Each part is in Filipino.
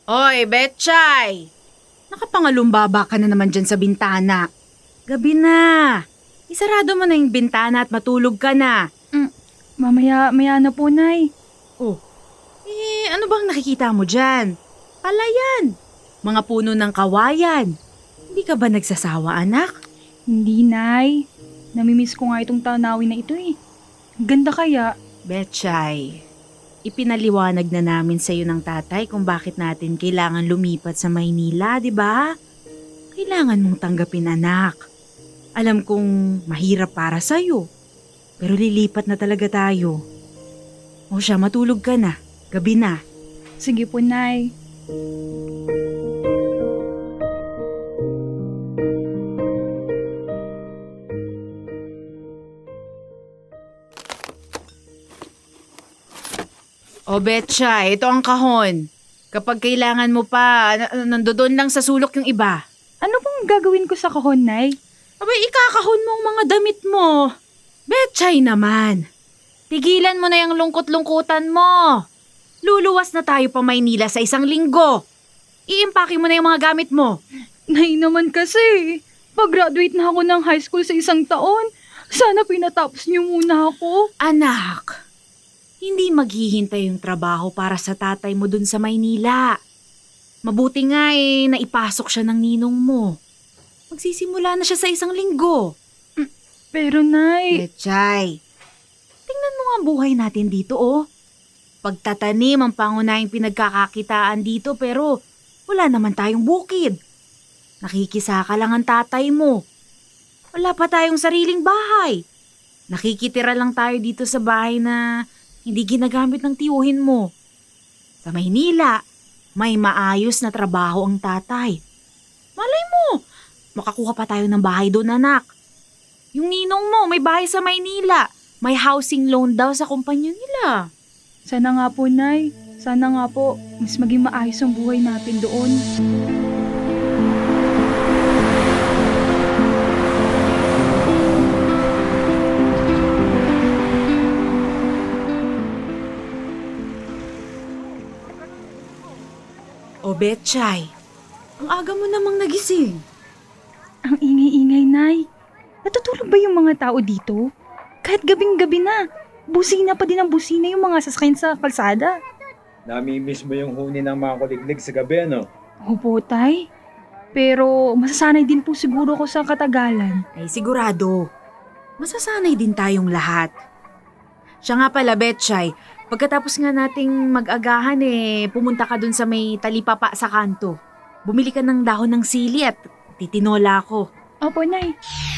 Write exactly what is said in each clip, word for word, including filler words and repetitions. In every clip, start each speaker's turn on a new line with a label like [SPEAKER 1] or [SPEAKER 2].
[SPEAKER 1] Hoy, Betchay! Nakapangalumbaba ka na naman dyan sa bintana. Gabi na. Isarado mo na yung bintana at matulog ka na.
[SPEAKER 2] Mm, mamaya, maya na po, Nay.
[SPEAKER 1] Oh, eh ano bang nakikita mo dyan? Palayan. Mga puno ng kawayan. Hindi ka ba nagsasawa, anak?
[SPEAKER 2] Hindi, Nay. Namimiss ko nga itong tanawin na ito eh. Ang ganda kaya.
[SPEAKER 1] Betchay, ipinaliwanag na namin sa iyo ng tatay kung bakit natin kailangan lumipat sa Maynila, di ba? Kailangan mong tanggapin, anak. Alam kong mahirap para sa iyo, pero lilipat na talaga tayo. O siya, matulog ka na. Gabi na.
[SPEAKER 2] Sige po, Nay.
[SPEAKER 1] O Betchay, ito ang kahon. Kapag kailangan mo pa, n- nandoon lang sa sulok yung iba.
[SPEAKER 2] Ano pong gagawin ko sa kahon, Nay?
[SPEAKER 1] Abay, ikakahon mo ang mga damit mo. Betchay naman. Tigilan mo na yung lungkot-lungkutan mo. Luluwas na tayo pa Maynila sa isang linggo. Iimpake mo na yung mga gamit mo.
[SPEAKER 2] Nay naman kasi. Pag-graduate na ako ng high school sa isang taon. Sana pinatapos niyo muna ako.
[SPEAKER 1] Anak, hindi maghihintay yung trabaho para sa tatay mo dun sa Maynila. Mabuti nga eh, naipasok siya ng ninong mo. Magsisimula na siya sa isang linggo.
[SPEAKER 2] Pero, Nay...
[SPEAKER 1] Betchay, tingnan mo nga ang buhay natin dito oh. Pagtatanim ang pangunahing pinagkakakitaan dito pero wala naman tayong bukid. Nakikisaka lang ang tatay mo. Wala pa tayong sariling bahay. Nakikitira lang tayo dito sa bahay na hindi ginagamit ng tiyuhin mo. Sa Maynila, may maayos na trabaho ang tatay. Malay mo, makakuha pa tayo ng bahay doon, anak. Yung ninong mo, may bahay sa Maynila. May housing loan daw sa kumpanya nila.
[SPEAKER 2] Sana nga po, Nay. Sana nga po, mas maging maayos ang buhay natin doon.
[SPEAKER 1] O Betchay, ang aga mo namang nagising.
[SPEAKER 2] Ang ingay-ingay, Nay. Natutulog ba yung mga tao dito? Kahit gabing-gabi na, busina pa din ang busina yung mga sasakyan sa kalsada.
[SPEAKER 3] Namimiss mo yung huni ng mga kuliglig sa gabi, ano?
[SPEAKER 2] Opo, Tay. Pero masasanay din po siguro ko sa katagalan.
[SPEAKER 1] Ay sigurado, masasanay din tayong lahat. Siya nga pala, Betchay, pagkatapos nga nating mag-agahan eh, pumunta ka dun sa may talipapa sa kanto. Bumili ka ng dahon ng sili at titinola ko.
[SPEAKER 2] Opo, Nay.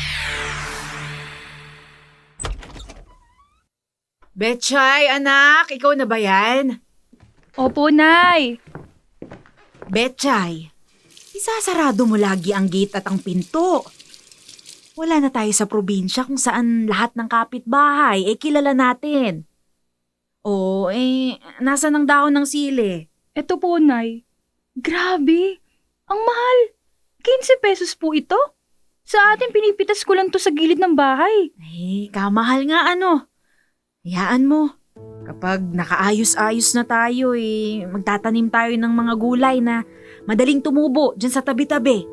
[SPEAKER 1] Betchay, anak, ikaw na ba yan?
[SPEAKER 2] Opo, Nay.
[SPEAKER 1] Betchay, isasarado mo lagi ang gate at ang pinto. Wala na tayo sa probinsya kung saan lahat ng kapitbahay eh kilala natin. O eh, nasa ng dahon ng sili?
[SPEAKER 2] Eto po, Nay. Grabe. Ang mahal. fifteen pesos po ito. Sa atin, pinipitas ko lang to sa gilid ng bahay.
[SPEAKER 1] Eh, kamahal nga ano. Hayaan mo. Kapag nakaayos-ayos na tayo eh, magtatanim tayo ng mga gulay na madaling tumubo dyan sa tabi-tabi.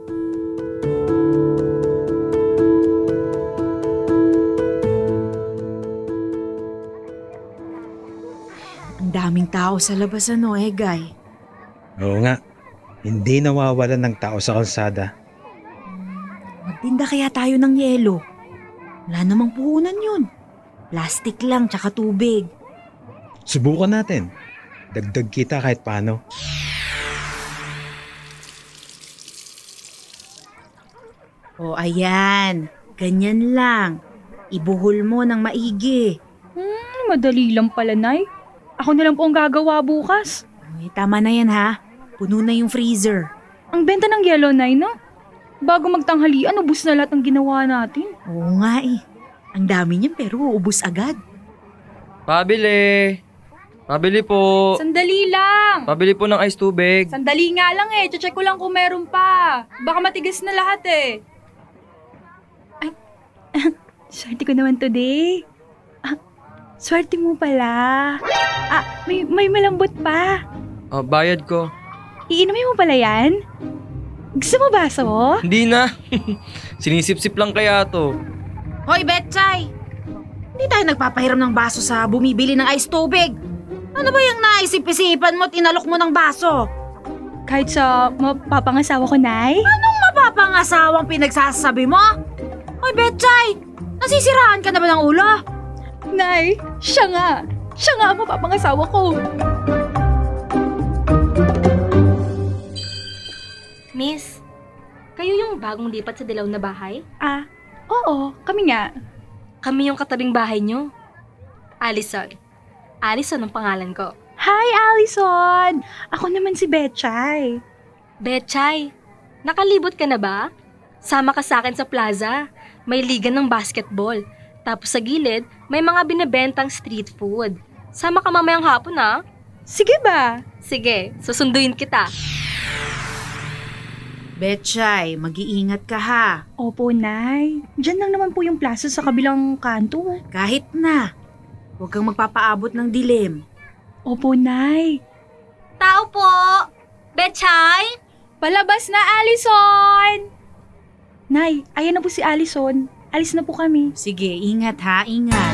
[SPEAKER 1] Ang daming tao sa labas ano, Egay.
[SPEAKER 3] Oo nga. Hindi nawawalan ng tao sa kalsada.
[SPEAKER 1] Magtinda kaya tayo ng yelo. Wala namang puhunan yun. Plastic lang tsaka tubig.
[SPEAKER 3] Subukan natin. Dagdag kita kahit paano.
[SPEAKER 1] O ayan, ganyan lang. Ibuhol mo ng maigi.
[SPEAKER 2] Hmm, madali lang pala, Nay. Ako na lang po ang gagawa bukas.
[SPEAKER 1] Ay, tama na yan ha. Puno na yung freezer.
[SPEAKER 2] Ang benta ng yellow, Nay, no? Bago magtanghalian, ubus na lahat ang ginawa natin.
[SPEAKER 1] Oo nga eh. Ang dami niyan pero ubus agad.
[SPEAKER 4] Pabili! Pabili po!
[SPEAKER 2] Sandali lang!
[SPEAKER 4] Pabili po ng ice tubig.
[SPEAKER 2] Sandali nga lang eh. Check ko lang kung meron pa. Baka matigas na lahat eh. Ay, swerte ko naman today. Ah, swerte mo pala. Ah, may, may malambot pa.
[SPEAKER 4] Oh, bayad ko.
[SPEAKER 2] Iinumin mo pala yan? Gusto mo baso?
[SPEAKER 4] Hindi na. Sinisip-sip lang kaya to.
[SPEAKER 1] Hoy, Betchay! Hindi tayo nagpapahiram ng baso sa bumibili ng ice tubig. Ano ba yung naisip-isipan mo at inalok mo ng baso?
[SPEAKER 2] Kahit sa mapapangasawa ko, Nay?
[SPEAKER 1] Mapapangasawang pinagsasabi mo? Hoy, Betchay! Nasisiraan ka na ba ng ulo?
[SPEAKER 2] Nay, siya nga. Siya nga ang mapapangasawa ko.
[SPEAKER 5] Miss, kayo yung bagong lipat sa dilaw na bahay?
[SPEAKER 2] Ah, oo, kami nga.
[SPEAKER 5] Kami yung katabing bahay nyo. Allison. Allison ang pangalan ko.
[SPEAKER 2] Hi, Allison! Ako naman si Betchay.
[SPEAKER 5] Betchay, nakalibot ka na ba? Sama ka sa akin sa plaza. May liga ng basketball. Tapos sa gilid, may mga binebentang street food. Sama ka mamayang hapon ah.
[SPEAKER 2] Sige ba?
[SPEAKER 5] Sige, susunduin kita.
[SPEAKER 1] Betchay, mag-iingat ka ha.
[SPEAKER 2] Opo, Nay. Diyan lang naman po yung plaza sa kabilang kanto.
[SPEAKER 1] Kahit na. Huwag kang magpapaabot ng dilim.
[SPEAKER 2] Opo, Nay.
[SPEAKER 5] Tao po! Betchay!
[SPEAKER 2] Palabas na, Allison! Nay, ayan na po si Allison. Alis na po kami.
[SPEAKER 1] Sige, ingat ha, ingat.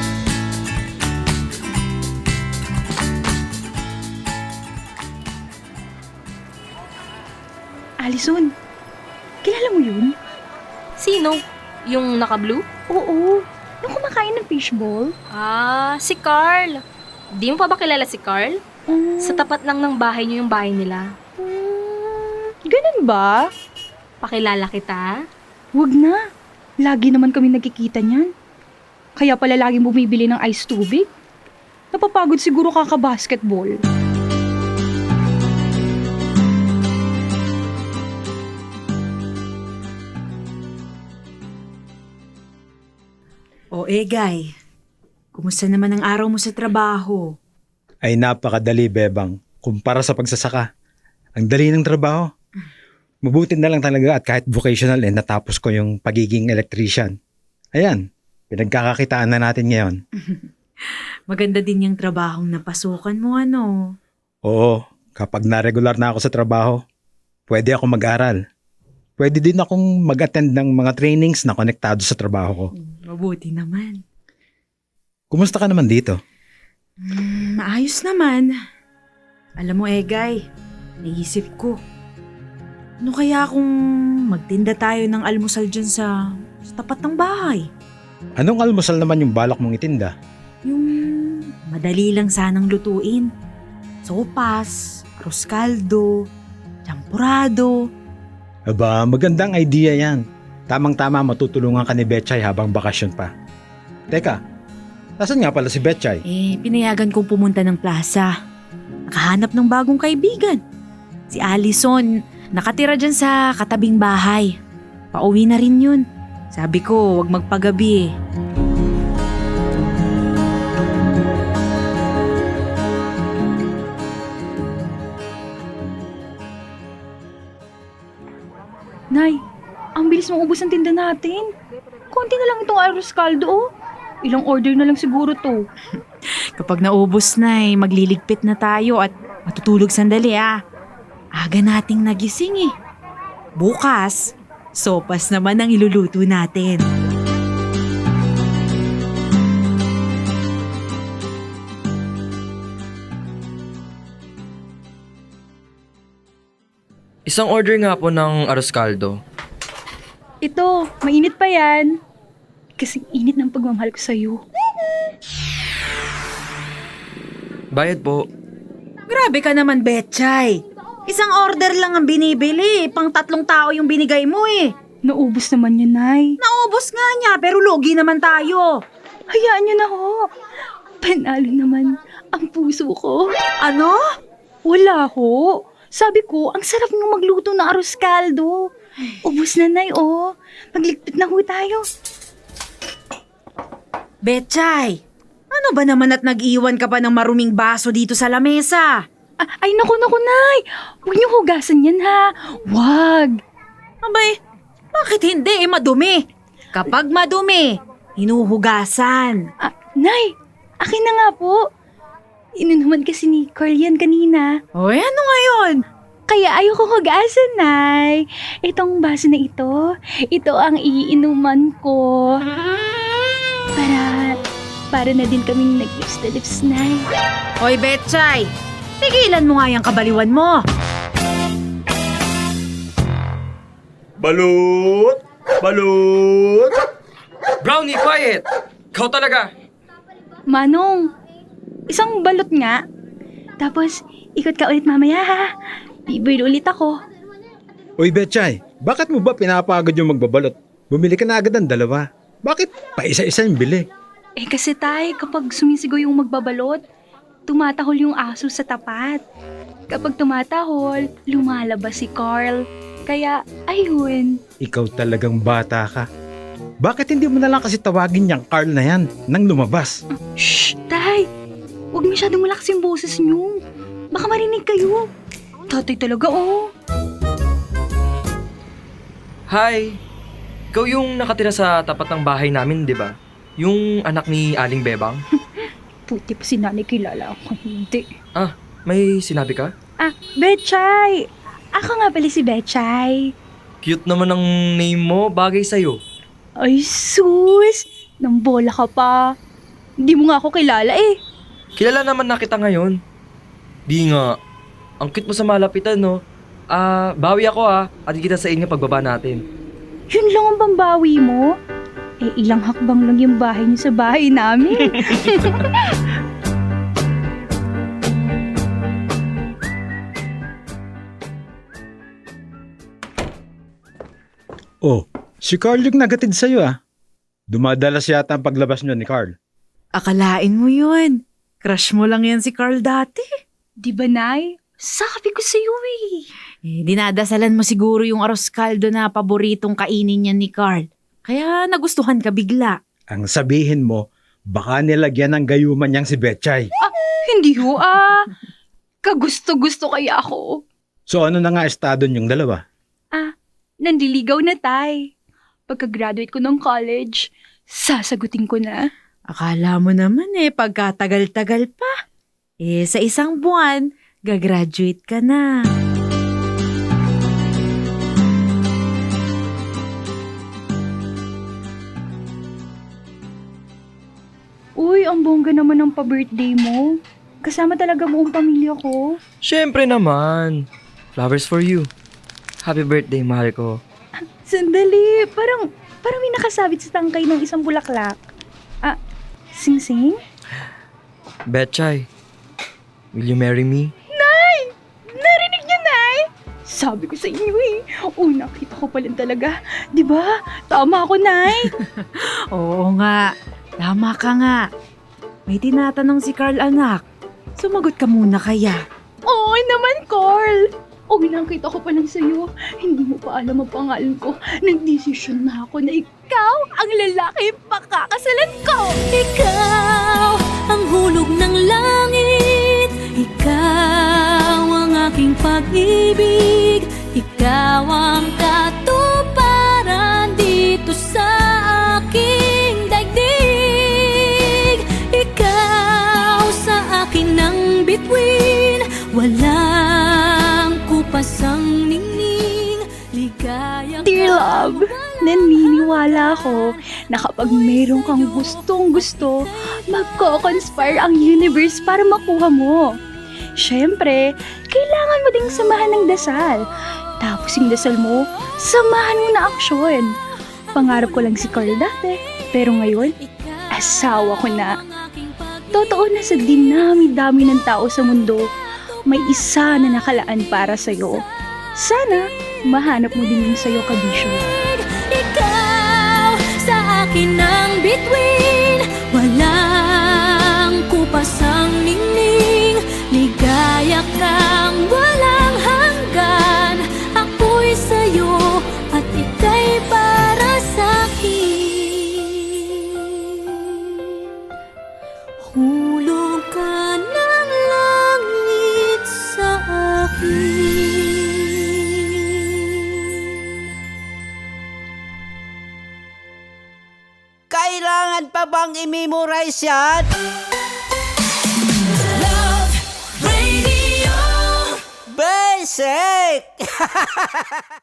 [SPEAKER 2] Allison, kilala mo yun?
[SPEAKER 5] Sino? Yung naka-blue?
[SPEAKER 2] Oo, yung kumakain ng fishball.
[SPEAKER 5] Ah, si Carl. Di mo pa ba kilala si Carl?
[SPEAKER 2] Um,
[SPEAKER 5] Sa tapat lang ng bahay niyo yung bahay nila.
[SPEAKER 2] um, ganun ba?
[SPEAKER 5] Pakilala kita.
[SPEAKER 2] Wag na. Lagi naman kami nagkikita niyan. Kaya pala laging bumibili ng ice tubig. Napapagod siguro kaka-basketball.
[SPEAKER 1] O Egay, kumusta naman ang araw mo sa trabaho?
[SPEAKER 3] Ay napakadali, Bebang, kumpara sa pagsasaka. Ang dali ng trabaho. Mabuti na lang talaga at kahit vocational eh, natapos ko yung pagiging electrician. Ayan, pinagkakakitaan na natin ngayon.
[SPEAKER 1] Maganda din yung trabahong napasukan mo, ano?
[SPEAKER 3] Oo, kapag na-regular na ako sa trabaho, pwede ako mag-aral. Pwede din akong mag-attend ng mga trainings na konektado sa trabaho ko.
[SPEAKER 1] Mabuti naman.
[SPEAKER 3] Kumusta ka naman dito?
[SPEAKER 1] Hmm, maayos naman. Alam mo, Egay, naisip ko. Ano kaya kung magtinda tayo ng almusal dyan sa, sa tapat ng bahay?
[SPEAKER 3] Anong almusal naman yung balak mong itinda?
[SPEAKER 1] Yung madali lang sanang lutuin. Sopas, arroz caldo, champurado.
[SPEAKER 3] Aba, magandang idea yan. Tamang-tama matutulungan ka ni Betchay habang bakasyon pa. Teka, nasan nga pala si Betchay?
[SPEAKER 1] Eh, pinayagan kong pumunta ng plaza. Nakahanap ng bagong kaibigan. Si Allison, nakatira dyan sa katabing bahay. Pauwi na rin yun. Sabi ko, wag magpagabi eh.
[SPEAKER 2] Nay, ang bilis mong ubos ang tinda natin. Konti na lang itong arroz caldo, oh. Ilang order na lang siguro to.
[SPEAKER 1] Kapag naubos na eh, magliligpit na tayo at matutulog sandali ah. Aga nating nagising eh. Bukas, sopas naman ang iluluto natin.
[SPEAKER 4] Isang order nga po ng arroz caldo.
[SPEAKER 2] Ito, mainit pa yan. Kasing init ng pagmamahal ko sa'yo.
[SPEAKER 4] Bayad po.
[SPEAKER 1] Grabe ka naman, Betchay. Isang order lang ang binibili. Pang tatlong tao yung binigay mo eh.
[SPEAKER 2] Naubos naman yan, Nay.
[SPEAKER 1] Naubos nga niya, pero lugi naman tayo.
[SPEAKER 2] Hayaan niyo na ho. Panalo naman ang puso ko.
[SPEAKER 1] Ano?
[SPEAKER 2] Wala ho. Sabi ko, ang sarap ng magluto ng arroz caldo. Ubus na, Nay, oh. Magligpit na ho tayo.
[SPEAKER 1] Betchay, ano ba naman at nag-iwan ka pa ng maruming baso dito sa lamesa?
[SPEAKER 2] Ah, ay, naku, naku, Nay. Huwag niyo hugasan yan, ha. Wag.
[SPEAKER 1] Abay, bakit hindi eh madumi? Kapag madumi, hinuhugasan.
[SPEAKER 2] Ah, Nay, akin na nga po. Inunuman kasi ni Carl yan kanina.
[SPEAKER 1] O ano ngayon?
[SPEAKER 2] Kaya ayoko mag-asa, Nay. Itong baso na ito, ito ang iinuman ko. Para, para na din kaming nag-lips na lips, Nay.
[SPEAKER 1] Hoy, Betchay! Tigilan mo nga yung kabaliwan mo!
[SPEAKER 6] Balut! Balut!
[SPEAKER 4] Brownie, quiet! Ikaw talaga!
[SPEAKER 2] Manong, isang balot nga. Tapos, ikot ka ulit mamaya, ha? Bibuin ulit ako.
[SPEAKER 3] Uy, Betchay, bakit mo ba pinapagod yung magbabalot? Bumili ka na agad ng dalawa. Bakit pa isa-isa yung bili?
[SPEAKER 2] Eh kasi tay, kapag sumisigaw yung magbabalot, tumatahol yung aso sa tapat. Kapag tumatahol, lumalabas si Carl. Kaya, ayun.
[SPEAKER 3] Ikaw talagang bata ka. Bakit hindi mo na lang kasi tawagin yung Carl na yan nang lumabas?
[SPEAKER 2] Shh, tay! Huwag masyadong malakas yung boses niyo. Baka marinig kayo. Tatay talaga, oh.
[SPEAKER 4] Hi! Ikaw yung nakatira sa tapat ng bahay namin, di ba? Yung anak ni Aling Bebang?
[SPEAKER 2] Puti pa si nanay kilala ako. Hindi.
[SPEAKER 4] Ah, may sinabi ka?
[SPEAKER 2] Ah, Betchay! Ako nga pala si Betchay.
[SPEAKER 4] Cute naman ang name mo, bagay sa'yo.
[SPEAKER 2] Ay, sus! Nang bola ka pa. Hindi mo nga ako kilala eh.
[SPEAKER 4] Kilala naman na kita ngayon. Di nga. Ang cute mo sa malapitan, no? Ah, bawi ako ah. At kita sa inyo pagbaba natin.
[SPEAKER 2] Yun lang ang pambawi mo? Eh, ilang hakbang lang yung bahay niyo sa bahay namin.
[SPEAKER 3] Oh, si Carl yung nagatid sa'yo ah. Dumadalas yata ang paglabas niyo ni Carl.
[SPEAKER 1] Akalain mo yun. Crush mo lang yan si Carl dati.
[SPEAKER 2] Di ba, Nay? Sabi ko sa'yo eh.
[SPEAKER 1] Eh, dinadasalan mo siguro yung arroz caldo na paboritong kainin niya ni Carl. Kaya nagustuhan ka bigla.
[SPEAKER 3] Ang sabihin mo, baka nilagyan ng gayuman niyang si Betchay.
[SPEAKER 2] Hindi ho ah. Kagusto-gusto kaya ako.
[SPEAKER 3] So ano na nga estado niyong dalawa?
[SPEAKER 2] Ah, nandiligaw na tay. Pagka-graduate ko ng college, sasagutin ko na.
[SPEAKER 1] Akala mo naman eh, pagkatagal-tagal pa. Eh, sa isang buwan, gagraduate ka na.
[SPEAKER 2] Uy, ang bongga naman ng pa-birthday mo. Kasama talaga buong pamilya ko.
[SPEAKER 4] Siyempre naman. Flowers for you. Happy birthday, mahal ko.
[SPEAKER 2] Sandali, parang, parang may nakasabit sa tangkay ng isang bulaklak. Ah, sing-sing?
[SPEAKER 4] Betchay, will you marry me?
[SPEAKER 2] Narinig niyo, Nay? Sabi ko sa inyo eh. Uy, nakita ko pa rin talaga. Di ba? Tama ako, Nay.
[SPEAKER 1] Oo nga, tama ka nga. May tinatanong si Carl anak. Sumagot ka muna kaya.
[SPEAKER 2] Oo naman, Carl. Uy, nakita ko pa lang sa'yo. Hindi mo pa alam ang pangalan ko. Nagdesisyon na ako na ikaw ang lalaki pakakasalan ko.
[SPEAKER 7] Ikaw ang hulog ng langit, ikaw ang aking pag-ibig, ikaw ang katuparan dito sa aking daigdig. Ikaw sa akin ang bituin, walang kupasang ningning, ligaya ka.
[SPEAKER 2] Dear love, naniniwala ako na kapag mayroon kang gustong gusto, magko-conspire ang universe para makuha mo. Siyempre, kailangan mo ding samahan ng dasal. Tapos yung dasal mo, samahan mo na aksyon. Pangarap ko lang si Carl dati, pero ngayon, asawa ko na. Totoo na sa dinami-dami ng tao sa mundo, may isa na nakalaan para sa'yo. Sana, mahanap mo din yung sa'yo, Kabisyo.
[SPEAKER 7] Ikaw sa akin ang bituin, walang kupasang ningning, ligaya kang walang hanggan. Ako'y sa'yo at ika'y para sa'kin. Hulog ka ng langit sa akin.
[SPEAKER 8] Kailangan pa bang i-memorize yan?
[SPEAKER 7] Love Radio.
[SPEAKER 8] Bes! sake!